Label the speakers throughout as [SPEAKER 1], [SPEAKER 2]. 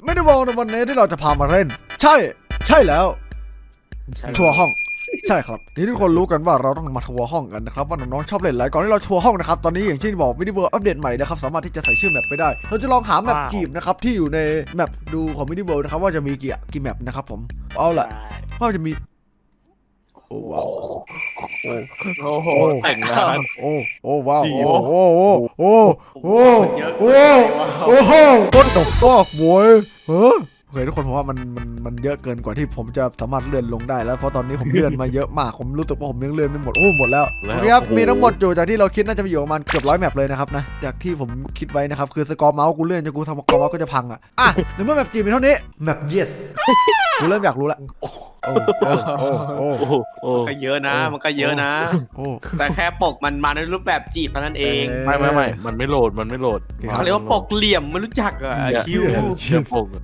[SPEAKER 1] ไม่ได้วอลในวันนี้ที่เราจะพามาเล่นใช่แล้วทัวร์ห้องใช่ครับนี่ทุกคนรู้กันว่าเราต้องมาทัวร์ห้องกันนะครับว่าน้องๆชอบเล่นอะไรก่อนที่เราทัวร์ห้องนะครับตอนนี้อย่างที่บอกมินิเวิร์อัปเดตใหม่นะครับสามารถที่จะใส่ชื่อแมปไปได้เราจะลองหาแมปจีบนะครับที่อยู่ในแมปดูของมินิเวิร์นะครับว่าจะมีกี่แมปนะครับผมเอาละว่าจะมีโอ้ว้าว
[SPEAKER 2] โอ้โหแต่งงาน
[SPEAKER 1] โอ้ว้าวโอ้what the fuck boy โอเคทุกคนผมว่ามันเยอะเกินกว่าที่ผมจะสามารถเลื่อนลงได้แล้วเพราะตอนนี้ผมเลื่อนมาเยอะมากผมรู้สึกว่าผมยังเลื่อนไม่หมดหมดแล้วครับมีทั้งหมดอยู่จากที่เราคิดน่าจะมีอยู่ประมาณเกือบ100แมปเลยนะครับนะจากที่ผมคิดไว้นะครับคือสกอร์เมาส์กูเลื่อนจนกูทำสกอร์เมาส์ก็จะพังอ่ะในเมื่อแมปจีมีเท่านี้แมป yes กูเริ่มอยากรู้ละ
[SPEAKER 2] ก็เยอะนะมันก็เยอะนะแต่แค่ปกมันมาในรูปแบบจีบเท่านั้นเอง
[SPEAKER 3] ไม่มันไม่โหลด
[SPEAKER 2] เขาเรียกว่าปกเหลี่ยมไม่รู้จักอ่ะคิว
[SPEAKER 3] ปก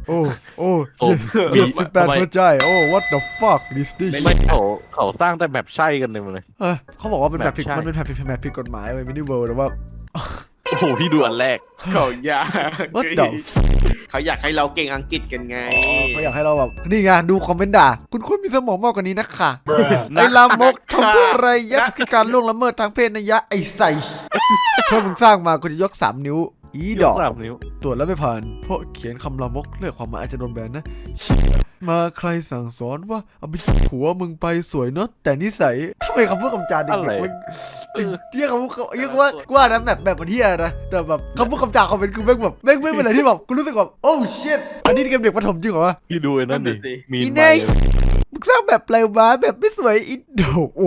[SPEAKER 1] yes 18หัวใจwhat the fuck this
[SPEAKER 3] ไม่เขาสร้างแต่แบบใช่กันเลย
[SPEAKER 1] เขาบอกว่าเป็นแบบผิดมันเป็นแบบผิดกฎหมายเลยมินิเวิลด์แต่ว่า
[SPEAKER 3] โอ้โหพี่ดูอันแรก
[SPEAKER 2] เขาอยากเขาอยากให้เราเก่งอังกฤษกันไง
[SPEAKER 1] เขาอยากให้เราแบบนี่ไงดูคอมเมนต์ด่าคุณมีสมองมากกว่านี้นะค่ะไอ้ลามกทำเพื่ออะไรยักษ์การล่วงละเมิดทางเพศนะยะไอ้ใส่ถ้ามึงสร้างมากูจะยก3 นิ้วอีดอกตรวจแล้วไม่ผ่านเพราะเขียนคำลามกเลือกความหมายอาจจะโดนแบนนะมาใครสั่งสอนว่าเอาไปผัวมึงไปสวยเนาะแต่นิสัยทำไมคำพูดคำจาเด็กๆมันเรียกคำพูดเรียกว่านะแบบมันเที่ยนะแต่แบบคำพูดคำจาเขาเป็นคือแม่งแบบแม่งเป็นอะไรที่แบบกูรู้สึกแบบโอ้เชิตอันนี้เกมเด็กประถมจริงเหรอวะ
[SPEAKER 3] พี่ดูไอ้นั่นดิ
[SPEAKER 1] มีเนสมึงสร้างแบบอะไรวะแบบไม่สวยอินโดโอ้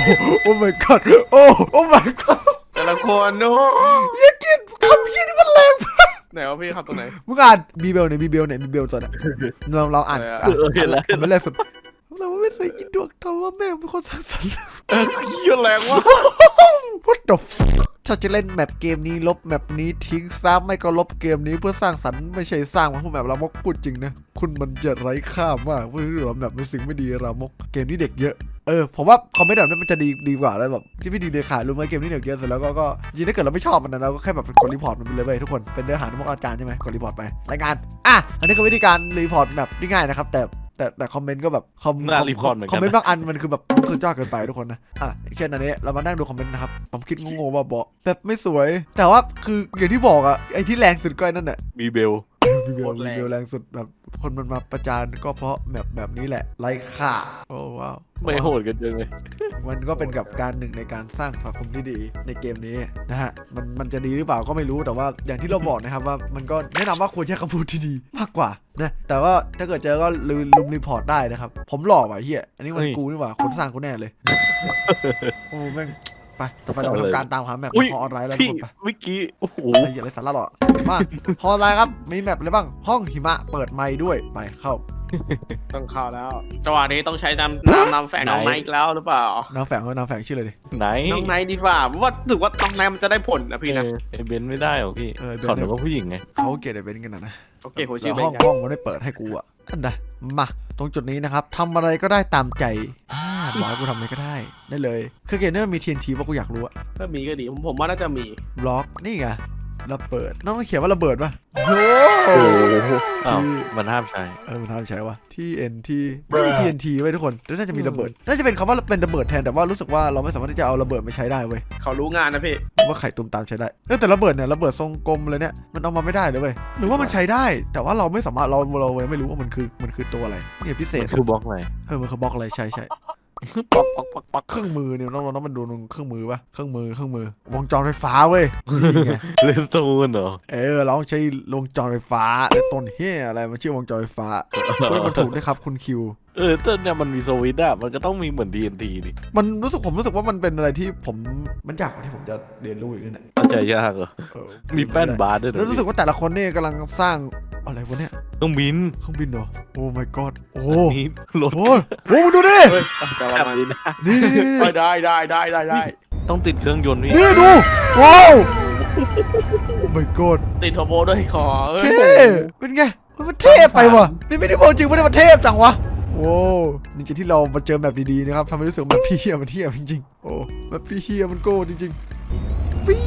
[SPEAKER 1] my god โอ้ my god
[SPEAKER 2] แต่ละคนโน้
[SPEAKER 1] อย่ากินคำพี่นี่มันแรง
[SPEAKER 2] ไหนวะพี่ครับตรงไหน
[SPEAKER 1] มึงอ่านมีเบลเนี่ยมีเบลตัวน่ะเราอ่าน
[SPEAKER 3] เห็นแล้ว
[SPEAKER 1] มันแรงสุดเราไม่สวยอินโดทำว่าแม่เป็นคนสร้างสรรค์
[SPEAKER 2] เยอะแรงว่ะ
[SPEAKER 1] What the fuck ถ้าจะเล่นแมปเกมนี้ลบแมปนี้ทิ้งซ้ำไม่ก็ลบเกมนี้เพื่อสร้างสรรค์ไม่ใช่สร้างมาพวกแมปรามกพูดจริงนะคุณมันจะไร้ค่ามากเพื่อที่เราแบบเป็นสิ่งไม่ดีรามกเกมนี้เด็กเยอะผมว่าคอมเมนต์แบบนี้มันจะดีกว่าแล้วแบบที่ไม่ดีเลยขาดรู้ไหมเกมนี้เด็กเยอะเสร็จแล้วก็จริงถ้าเกิดเราไม่ชอบมันนะเราก็แค่แบบกดรีพอร์ตมันไปเลยทุกคนเป็นเนื้อหาที่พวกอาจารย์ใช่ไหมกดรีพอร์ตไปรายงานอันนี้คือวิธีการรีพอร์ตแบบง่ายนะครับแต่คอมเมนต์ก็แบบคอมเมนต์บางอันมันคือแบบสุดยอดเกินไปทุกคนนะเช่นอันนี้เรามานั่งดูคอมเมนต์นะครับผมคิดงงๆว่าบอกแบบไม่สวยแต่ว่าคืออย่างที่บอกไอ้ที่แรงสุดก็นั่นแหละ
[SPEAKER 3] มีเบล
[SPEAKER 1] แรงสุดแบบคนมันมาประจานก็เพราะแบบนี้แหละไร้ค่าโอ้ว้าว
[SPEAKER 3] ไม่โหดกันจังเลย
[SPEAKER 1] มันก็เป็นกับการหนึ่งในการสร้างสังคมที่ดีในเกมนี้นะฮะมันจะดีหรือเปล่าก็ไม่รู้แต่ว่าอย่างที่เราบอกนะครับว่ามันก็แนะนำว่าควรใช้คำพูดที่ดีมากกว่านะแต่ว่าถ้าเกิดเจอก็ลืมรีพอร์ตได้นะครับผมหล่อว่ะเฮียอันนี้มันกูนี่หว่าคนสร้างกูแน่เลยโอ้แม่งไปต่อไปเราทำการตามหาแมปฮอออนไลน์แล้วทุกคนไป
[SPEAKER 3] เมื่อกี้โอ้โห
[SPEAKER 1] อย่าเลยสาระหรอกมาฮอออนไลน์ครับมีแมปอะไรบ้างห้องหิมะเปิดไมค์ด้วยไปเข้า
[SPEAKER 2] ต้องเข้าแล้วจังหวะนี้ต้องใช้นำแฝงน้องไนท์แล้วหรือเปล่า
[SPEAKER 1] น้ำแฝงชื่ออะไรดิ
[SPEAKER 3] ไหน
[SPEAKER 2] น้องไนท์ดีกว่าว่าถือว่าน้องไนท์มันจะได้ผลนะพี่นะ
[SPEAKER 3] ไอเบนไม่ได้หรอพี่เขาเป็นผู้หญิงไง
[SPEAKER 1] เขาเกลียดไอเบนกันนะ
[SPEAKER 2] โอเคผมชื่อ
[SPEAKER 1] ห้องมันไม่เปิดให้กูอันใดมาตรงจุดนี้นะครับทำอะไรก็ได้ตามใจบอกให้กูทำอะไรก็ได้เลยคือเกมนี้มันมี TNT ว่ากูอยากรู้
[SPEAKER 2] ถ้ามีก็ดีผมว่าน่าจะมี
[SPEAKER 1] บล็อกนี่ไงระเบิดน้องเขียนว่าระเบิดป่ะโอ้
[SPEAKER 3] มันห้ามใช้
[SPEAKER 1] มันห้ามใช้ว่ะ TNT ไม่มี TNT ไว้ทุกคนน่าจะมีระเบิดน่าจะเป็นคำว่าเป็นระเบิดแทนแต่ว่ารู้สึกว่าเราไม่สามารถที่จะเอาระเบิดมาใช้ได้เว้ย
[SPEAKER 2] เขารู้งานนะพี่
[SPEAKER 1] ว่าไข่ตุ้มตามใช้ได้แต่ระเบิดเนี่ยระเบิดทรงกลมเลยเนี่ยมันเอามาไม่ได้เลยเว้ยหรือว่ามันใช้ได้แต่ว่าเราไม่สามารถเราไม่รู้ว่ามันคือตัวอะไรเนี่ยพิเศษ
[SPEAKER 3] คือบล็อกอะไร
[SPEAKER 1] มันคือบล็อกอะไรใช่ปักเครื่องมือเนี่ยน้องมันดูเครื่องมือป่ะเครื่องมือวงจรไฟฟ้าเว้ยนี่ไง
[SPEAKER 3] เลนส์ตูนเหรอ
[SPEAKER 1] เราใช้วงจรไฟฟ้าแล้วต้นเฮียอะไรมันชื่อวงจรไฟฟ้าพูดมันถูกด้วยครับคุณคิว
[SPEAKER 3] ต้นเนี่ยมันมีสวิตช์มันก็ต้องมีเหมือน TNT ดิ
[SPEAKER 1] มันผมรู้สึกว่ามันเป็นอะไรที่มันยากกว่าที่ผมจะเรียนรู้อีกนั่นแหละ
[SPEAKER 3] เข้าใจยากเหรอมีแป้นบาร์ด้วย
[SPEAKER 1] แล้วรู้สึกว่าแต่ละคนเนี่ยกำลังสร้างอะไรวะเนี่ย
[SPEAKER 3] เครื่องบิน
[SPEAKER 1] เหรอโอ้ my god โอ้
[SPEAKER 3] รถ
[SPEAKER 1] โอ้ดูดินี่
[SPEAKER 2] ได้
[SPEAKER 3] ต้องติดเครื่องยนต์
[SPEAKER 1] นี่ดูว้าวโอ้ my god
[SPEAKER 2] ติดเทอร์โบด้วยขอ
[SPEAKER 1] เป็นไงมันเทพไปวะนี่ไม่ได้บอกจริงไม่ได้มันเทพจังวะโอ้นี่จะที่เรามาเจอแบบดีๆนะครับทำให้รู้สึกแบบพี่เฮียมันเทียบจริงๆโอ้แบบพี่เฮียมันโก้จริงๆปี๊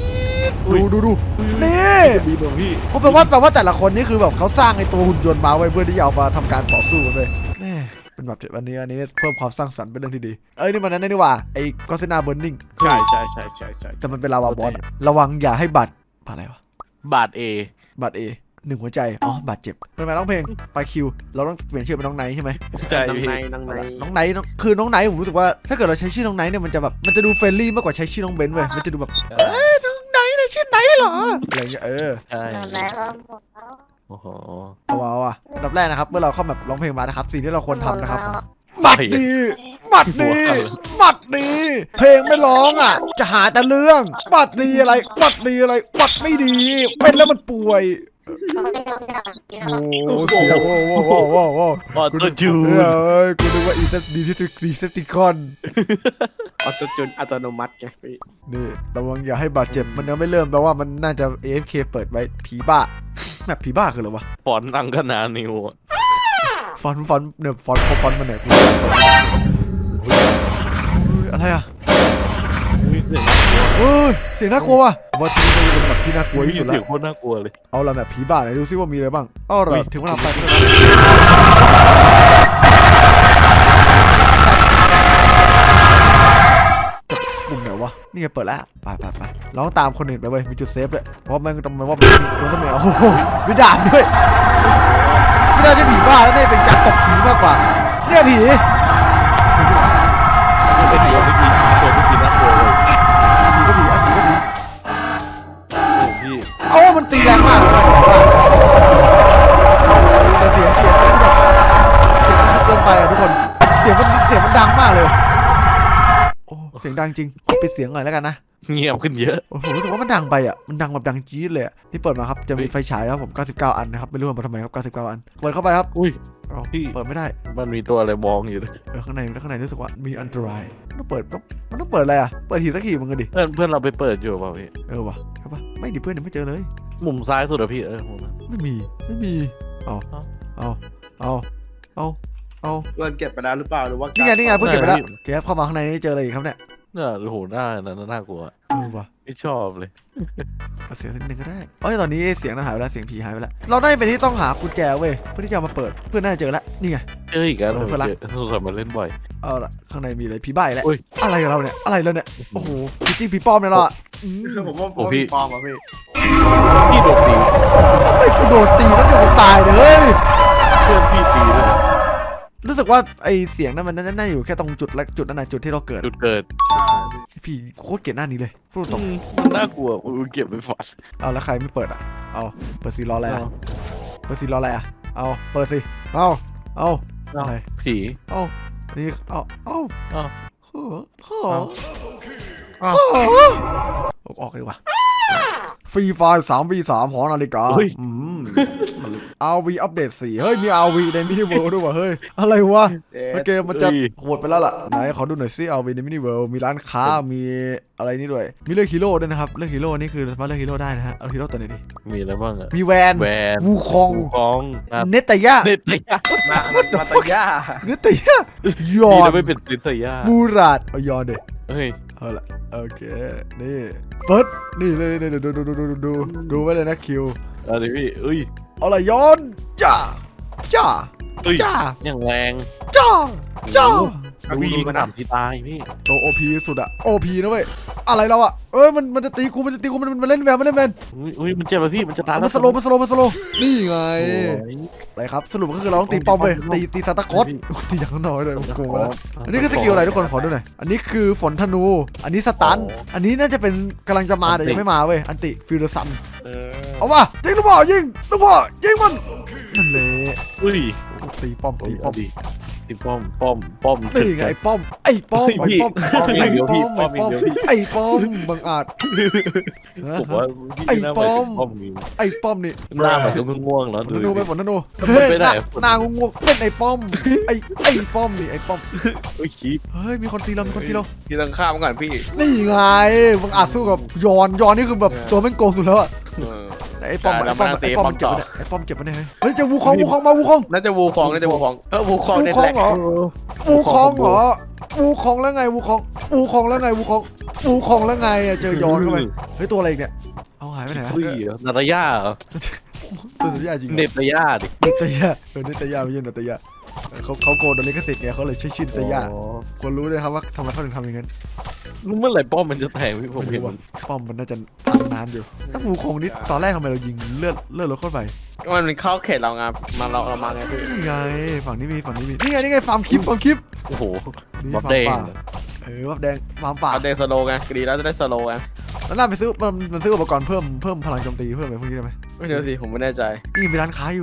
[SPEAKER 1] ดูนี่
[SPEAKER 3] ดีตรงพี่
[SPEAKER 1] ผมแปลว่าแต่ละคนนี่คือแบบเขาสร้างไอ้ตัวหุ่นยนต์มาไว้เพื่อที่จะเอามาทำการต่อสู้กันเลยแน่เป็นแบบอันนี้เพิ่มความสร้างสรรค์เป็นเรื่องที่ดีนี่มันนั่นนี่หว่าไอ้ก็ซินาเบิร์นิง
[SPEAKER 2] ใช่
[SPEAKER 1] แต่มันเป็นลาวาบอสระวังอย่าให้บาดอะไรวะ
[SPEAKER 3] บาทเอบ
[SPEAKER 1] าดหนึ่งหัวใจบาดเจ็บเป็นไงร้องเพลงไปคิวเราต้องเปลี่ยนชื่อเป็นน้องไนท์ใช่ไหม
[SPEAKER 3] ใช่
[SPEAKER 2] น้อง
[SPEAKER 3] พี่
[SPEAKER 2] ในน้องใน
[SPEAKER 1] น้องไนท์คือน้องไนท์ผมรู้สึกว่าถ้าเกิดเราใช้ชื่อน้องไนท์เนี่ยมันจะแบบมันจะดูเฟรนลี่มากกว่าใช้ชื่อน้องเบนซ์เว้ยมันจะดูแบบน้องไนท์เนี่ยชื่อไนท์เหรออะไรเงี้ย
[SPEAKER 3] ใช่
[SPEAKER 4] แล้วหมดแล้ว
[SPEAKER 3] โอ้โห
[SPEAKER 1] เอาอันดับแรกนะครับเมื่อเราเข้าแบบร้องเพลงมานะครับสิ่งที่เราควรทำนะครับหมัดดีหมัดดีหมัดดีเพลงไม่ร้องอ่ะจะหาแต่เรื่องหมัดดีอะไรหมัดดีอะไรหมัดไม่ดีเป็นแล้วมันป่วยโอ้เสียงโอ้
[SPEAKER 3] ออโต้จูน
[SPEAKER 1] กูนึกว่าอีเซปดีที่สุดดีเซปติคอน
[SPEAKER 2] ออโต้จูนอัตโนมัติไงพี่
[SPEAKER 1] นี่ระวังอย่าให้บาดเจ็บมันยังไม่เริ่มแปลว่ามันน่าจะ AFK เปิดไว้ผีบ้าแมปผีบ้าคืออะไรวะ
[SPEAKER 3] ฟอนต์อังคณานิวอะ
[SPEAKER 1] ฟอนต์เนี่ยฟอนต์มันเนี่ยอะไรอ่ะ
[SPEAKER 3] อุ้ยเสียงน่ากลัว
[SPEAKER 1] เสียงน่ากลัวว่ะว่าที่นี่เป็นแบบที่น่ากลัวที่สุดแล้
[SPEAKER 3] เสียง
[SPEAKER 1] ว
[SPEAKER 3] โคตรน่ากลัวเลย
[SPEAKER 1] เอาละแบบผีบ้าไหนดูซิว่ามีอะไรบ้างเอาละถึงเวลาไปกันแล้วปุ่มไหนวะนี่ไงเปิดแล้วไปเราต้องตามคนอื่นไปเว้ยมีจุดเซฟด้วยเพราะมันต้องมาว่ามันต้องมีโอ้โหมีดาบด้วยไม่น่าจะผีบ้าแล้วน่าจะเป็นการตบผีมากกว่าเนี่ยผี
[SPEAKER 3] เป็นตัวเมื่อกี้น่ากลัวเลย
[SPEAKER 1] ผีก็ผีอ่ะผีก็ผี
[SPEAKER 3] โอ้พี่
[SPEAKER 1] มันตีแรงมากเลยแต่เสียงมันแบบเสียงมันเกินไปอ่ะทุกคนเสียงมันดังมากเลยโอ้เสียงดังจริงปิดเสียงหน่อยแล้วกันนะ
[SPEAKER 3] เงียบขึ้นเยอะ
[SPEAKER 1] โอ้ผมรู้สึกว่ามันดังไปอ่ะมันดังแบบดังจี๊ดเลยอ่ะนี่เปิดมาครับจะมีไฟฉายครับผม99อันนะครับไม่รู้ว่ามาทำไมครับ99อันเปิดเข้าไปครับ
[SPEAKER 3] อุ้ย
[SPEAKER 1] พี่เปิดไม่ได้
[SPEAKER 3] มันมีตัวอะไรมองอยู่เลย
[SPEAKER 1] ข้างในรู้สึกว่ามีอันตรายมันต้องเปิดอะไรอ่ะเปิดหีบสักหีบมึงกันดิ
[SPEAKER 3] เพื่อนเราไปเปิดอยู่เปล่าพี่
[SPEAKER 1] วะใช่ปะไม่ดิเพื่อนยังไม่เจอเลย
[SPEAKER 3] มุมซ้ายสุดอะพี่มุมนั้น
[SPEAKER 1] ไม่มีเอา
[SPEAKER 2] เงินเก็บไปแล้วหรือเปล่าหรือว่า
[SPEAKER 1] นี่ไงเพิ่งเก็บไปแล้วเก็บเข้ามาข้างในนี่เจออะไรอีกครับเนี่ย
[SPEAKER 3] เนี่ยโอ้โหน่ากลัว
[SPEAKER 1] ว่ะ
[SPEAKER 3] ไม่ชอบเลย
[SPEAKER 1] เอาเสียงนิดนึงก็ได้ตอนนี้เสียงนั้นหายไปแล้วเสียงผีหายไปแล้วเราได้เป็นที่ต้องหากุญแจเว้ยเพื่อที่จะมาเปิดเพื่อนน่าจะเจอแล้วนี่ไง
[SPEAKER 3] เจออีกแล้ว
[SPEAKER 1] เพื่อนรัก
[SPEAKER 3] สงสัยมาเล่นบ่อย
[SPEAKER 1] เอาละข้างในมีอะไรผีใบ้แล้ว
[SPEAKER 3] อุ้ย
[SPEAKER 1] อะไรกับเราเนี่ยโอ้โหผีจริงผีปลอมเนี่ยเราอ่ะ
[SPEAKER 2] ผมว่า
[SPEAKER 3] โอ้พี่
[SPEAKER 2] ปลอมอ่ะพี่
[SPEAKER 3] พี่โดนตี
[SPEAKER 1] ไอ้กูโดนตีแล้วเดี๋ยวกูตายเลย
[SPEAKER 3] เพื่อนพี่ตีด้วย
[SPEAKER 1] รู้สึกว่าไอเสียงนั้นมันน่าอยู่แค่ตรงจุดนั้นนะจุดที่เราเกิด
[SPEAKER 3] จุดเกิด
[SPEAKER 1] พี่โคตรเกลียดหน้านี้เลยพูดตรง
[SPEAKER 3] มันน่ากลัวเก็บไปฝัน
[SPEAKER 1] เอาแล้วใครไม่เปิดอ่ะเอาเปิดสีรออะไรอ่ะเปิดสีรออะไรอ่ะเอาเปิดสิเอาอะไร
[SPEAKER 3] ผี
[SPEAKER 1] เอานี่เอา
[SPEAKER 3] อ้าว
[SPEAKER 1] ออกเลยว่ะฟรีไฟล์3v3 หอนาฬิกาRV อัปเดต4เฮ้ยมี RV ในมินิเวิลด์ด้วยว่ะเฮ้ยอะไรวะเกมมันจะโหดไปแล้วล่ะไหนขอดูหน่อยซิ RV ในมินิเวิลด์มีร้านค้ามีอะไรนี่ด้วยมีเลือกฮีโร่ด้วยนะครับเลือกฮีโร่นี่คือสามารถเลือกฮีโร่ได้นะฮะเอาฮีโร่ตัวไหนดี
[SPEAKER 3] มีอะไรบ้างอะ
[SPEAKER 1] มีแวน วูคอง
[SPEAKER 3] ของ
[SPEAKER 1] เนตย่า
[SPEAKER 3] เน็ตเลยอะ
[SPEAKER 2] มาตะย่า
[SPEAKER 1] เนตย่ายอ
[SPEAKER 3] ดี
[SPEAKER 1] น
[SPEAKER 3] นะไม่เป็นซินเซีย
[SPEAKER 1] มูราดเอายอนเด็
[SPEAKER 3] เฮ้ย
[SPEAKER 1] เอาละโอเคนี่เปิดนี่เลยดูไว้เลยนะคิว
[SPEAKER 3] อะไรพี่เอ้ย
[SPEAKER 1] เอาละย้อนจ้า
[SPEAKER 3] เอ้ย
[SPEAKER 1] จ้า
[SPEAKER 3] อย่างแรง
[SPEAKER 1] จ้า
[SPEAKER 3] ดูมันหนำที่ตายพี่
[SPEAKER 1] โตโอพีสุดอะโอพีนะเว้ยอะไรเราอะมันจะตีกูมันเล่นแวน
[SPEAKER 3] อุ้ยมันเจ็บไปพี่มันจะตาย
[SPEAKER 1] มันสโลนี่ไงอะไรครับสรุปก็คือเราต้องตีป้อมเว้ยตีซานตาคลอสตีอย่างน้อยเลยโกงแล้วอันนี้คือสกิลอะไรทุกคนขอดูหน่อยอันนี้คือฝนธนูอันนี้สตันอันนี้น่าจะเป็นกำลังจะมาแต่ยังไม่มาเว้ยอันติฟิลเดอร์ซันเอาว่ะยิงลูกบอลยิงมันนั่นเลย
[SPEAKER 3] อุ้ย
[SPEAKER 1] ตีป้อม
[SPEAKER 3] ตีป้อม
[SPEAKER 1] นี่ไงไอ้ป้อมบังอาจ
[SPEAKER 3] ผมว่า
[SPEAKER 1] ไอ้ป้อม
[SPEAKER 3] ป้อมนี่
[SPEAKER 1] ไอ้ป้อมนี่
[SPEAKER 3] หน้ามันก็ง่วงแล้ว
[SPEAKER 1] ฝนธนูไปฝนธนู
[SPEAKER 3] ไปไหน
[SPEAKER 1] นางงงเป็นไอ้ป้อมไอ้ป้อมนี่ไอ้ป้อม
[SPEAKER 3] เฮ้ยขี้
[SPEAKER 1] เฮ้ยมีคนตีเรา
[SPEAKER 2] พี่ต้องข้ามก่อนพี่
[SPEAKER 1] นี่ไงบังอาจสู้กับยอนนี่คือแบบตัวแม่งโกงสุดแล้วอะไอ้ป้อมเจ็บเนี่ยไอ้ป้อมเจ็บไปเนี่ยเฮ้ยจะวูคองมาวูคอง
[SPEAKER 2] น่าจะวูคองวูคองเนี่ยแหละ
[SPEAKER 1] เหรอวูคองแล้วไงวูคองแล้วไงอะเจอยอนเข้าไปเฮ้ยตัวอะไรอีกเนี่ยไปไหน
[SPEAKER 3] ฟรีเหรอนาตาย่าเหรอ
[SPEAKER 1] ตัวนาตยาจริง
[SPEAKER 3] เน็ตตาย่าดิ
[SPEAKER 1] นาตยานาตยาไม่ใช่นาตยาเขาโกนโดนลิขสิทธิ์ไงเขาเลยชื่อนาตยาควรรู้เลยครับว่าทำไมเขาถึงทำอย่างนั้น
[SPEAKER 3] เมื่อไหร่ป้อมมันจะแตกพี่ผม
[SPEAKER 1] ไม่
[SPEAKER 3] เห็น
[SPEAKER 1] รู้ว่าป้อมมันน่าจะทำนานอยู่ถ้าฟูคงนี่ตอนแรกทำไมเรายิงเลือดรถเข้าไป
[SPEAKER 2] ก็มันเข้าเขตเราไงเรามาไงพี่
[SPEAKER 1] นี่ไงฝั่งนี้มีนี่ไงฟาร์มคลิป
[SPEAKER 3] โอ้โห
[SPEAKER 1] นี่
[SPEAKER 3] บั
[SPEAKER 1] ฟา
[SPEAKER 3] ฟ
[SPEAKER 1] ร์ม
[SPEAKER 3] แดง
[SPEAKER 1] ป่าบัฟแดงฟาร์มป่า
[SPEAKER 2] เอาเดสโลไงดีแล้วจะได้สโลไง
[SPEAKER 1] แล้วน่าไปซื้อมันซื้ออุปกรณ์เพิ่มพลังโจมตีเพิ่มอะไรพวกนี้ได้ไหม
[SPEAKER 2] ไม่เดี๋ยวสิผมไม่แน่ใจ
[SPEAKER 1] นี่มีร้านค้าอยู่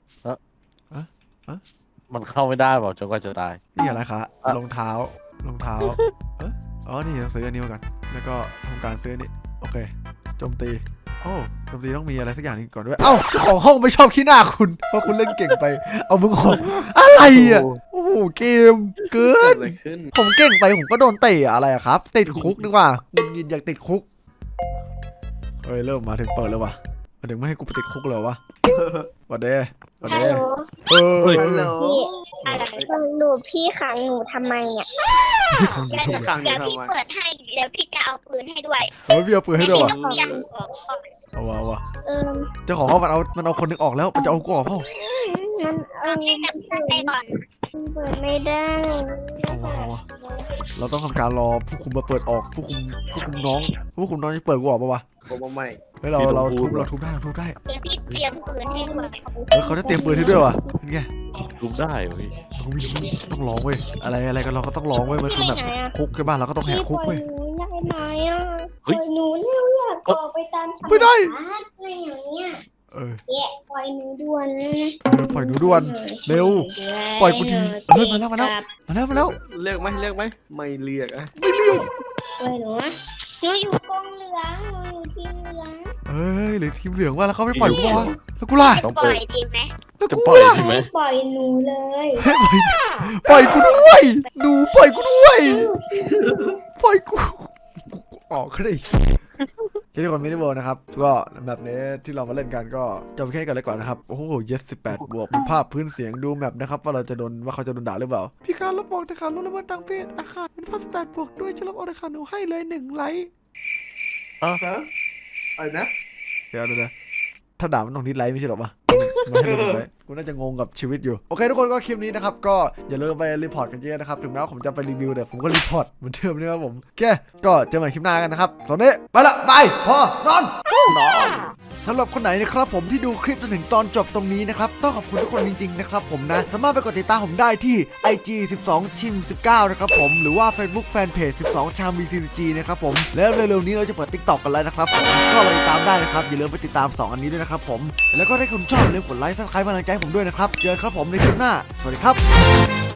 [SPEAKER 3] มันเข้าไม่ได้เปล่าจนกว่าจะตาย
[SPEAKER 1] นี่อะไรคะรองเท้าอ๋อนี่ต้องซื้ออันนี้มาก่อนแล้วก็ทำการซื้อนี่โอเคโจมตีโอ้โจมตีต้องมีอะไรสักอย่างนึงก่อนด้วยเอ้าเจ้าของห้องไม่ชอบขี้หน้าคุณเพราะคุณเล่นเก่งไปเอามึงของอะไรอ่ะโอ้โหเกมเกิ
[SPEAKER 2] เกิด
[SPEAKER 1] น
[SPEAKER 2] อะไรขึ้น
[SPEAKER 1] ผมเก่งไปผมก็โดนเตะอะไรอะครับติดคุกดีกว่ามึงยินอยากติดคุกเฮ้ยเริ่มมาถึงเปิดแล้ววะมาถึงไม่ให้กูไปติดคุกเลยวะวัดเด้วัด
[SPEAKER 4] ฮัล
[SPEAKER 1] เด้
[SPEAKER 4] โหล
[SPEAKER 1] เฮ้ย
[SPEAKER 2] ฮัลโหล
[SPEAKER 4] พี่อะไรหนูพี่ขังหนูทำไมอ่ะ
[SPEAKER 2] ขังอยู่
[SPEAKER 4] เดี๋ยว
[SPEAKER 2] ทำ
[SPEAKER 4] พี่
[SPEAKER 2] ไม
[SPEAKER 4] เปิดให้เดี๋ยวพี่จะเอาปืนให้ด้วย
[SPEAKER 1] เฮ้ยพี่เอาปืนให้ด้วยวะ
[SPEAKER 4] ต้องยังออกก่อน
[SPEAKER 1] เอาวะ
[SPEAKER 4] เออ
[SPEAKER 1] เจ้าของห้องมันเอาคนหนึงออกแล้วมันจะเอากูออกเปล่า
[SPEAKER 4] มันให้จับปืนไปก่อนเปิดไม่ได้
[SPEAKER 1] เอาวะเราต้องทำการรอผู้คุมมาเปิดออกผู้คุมน้องจะเปิดกูออกปะวะ
[SPEAKER 2] ผมไม่
[SPEAKER 1] เฮ้ยเราทุบได้
[SPEAKER 4] เดี๋ยวพี่เตรียมปืนให้ด้วย
[SPEAKER 1] เฮ้ยเขาจะเตรียมปืนให้ด้วยวะเป็นไง
[SPEAKER 3] ลุกได้เหรอพี่
[SPEAKER 1] เราไม่รู้ต้องลองเว้ยอะไรกันเราก็ต้องลองเว้ยมันคือแบบคุกใช่ป่ะเราก็ต้องแหกคุกเว้ย
[SPEAKER 4] ได้ไหมอ่ะปล่อยหนูเนี่ยอยากออกไปตามธรรม
[SPEAKER 1] ไม่ได้
[SPEAKER 4] ชาติอะไรอย่างเงี้ย
[SPEAKER 1] เออ
[SPEAKER 4] เนี่ยปล่อยหนูด่วน
[SPEAKER 1] ปล่อยหนูด่วนเร็วปล่อยกูทีเฮ้ยมาแล้ว
[SPEAKER 2] เลือกไหมไม่เลือกอะ
[SPEAKER 4] ปล่อยหนูนะหนูอยู่กองเหลืองหนูอยู่ทีมเหลือง
[SPEAKER 1] เอ้ยหรือทีมเหลืองว่าแล้วเขาไม่ปล่อยกูวะแล้วกูล่ะ
[SPEAKER 4] ปล่อยดีไหม
[SPEAKER 1] แล้ว
[SPEAKER 3] จะ
[SPEAKER 1] กู
[SPEAKER 3] ปล่อย
[SPEAKER 1] ล่ะ
[SPEAKER 3] ใช่ไหม
[SPEAKER 4] ปล่อยหนูเลย
[SPEAKER 1] ปล่อยกูด้วยหนูปล่อยกูด้วยปล่อยกูออกก็ได้ทุกคนมินิเวิลด์นะครับก็แบบนี้ที่เรามาเล่นกันก็จบแค่นี้ก่อนเลยก่อนนะครับโอ้โห18 บวกมีภาพพื้นเสียงดูแมปนะครับว่าเขาจะโดนด่าหรือเปล่าพี่การลบบอกแต่ขาดลดละเมิดทางเพศอาคารเป็นภาพ18 บวกด้วยจะลบออกแต่ขาดหนูให้เลย1 ไลค์
[SPEAKER 2] อะไรนะ
[SPEAKER 1] เดี๋ยวถ้าด่ามันต้องดิสไลค์ไม่ใช่หรอปะมันให้ดิสไลค์กูน่าจะงงกับชีวิตอยู่โอเคทุกคนก็คลิปนี้นะครับก็อย่าลืมไปรีพอร์ตกันเยอะนะครับถึงแม้ว่าผมจะไปรีวิวแต่ผมก็รีพอร์ตเหมือนเดิมนะครับผมโอเคก็เจอกันใหม่คลิปหน้ากันนะครับตอนนี้ไปละบายพอนอนสำหรับคนไหนนะครับผมที่ดูคลิปจนถึงตอนจบตรงนี้นะครับต้องขอบคุณทุกคนจริงๆนะครับผมนะสามารถไปกดติดตามผมได้ที่ IG 12 Team 19นะครับผมหรือว่า Facebook Fanpage 12 Cham VCG นะครับผมแล้วเร็วๆนี้เราจะเปิด TikTok กันแล้วนะครับผมก็ไปติดตามได้นะครับอย่าลืมไปติดตาม2อันนี้ด้วยนะครับผมแล้วก็ถ้าคุณชอบอย่าลืมกดไลค์ Subscribe กำลังใจให้ผมด้วยนะครับเจอกันครับผมในคลิปหน้าสวัสดีครับ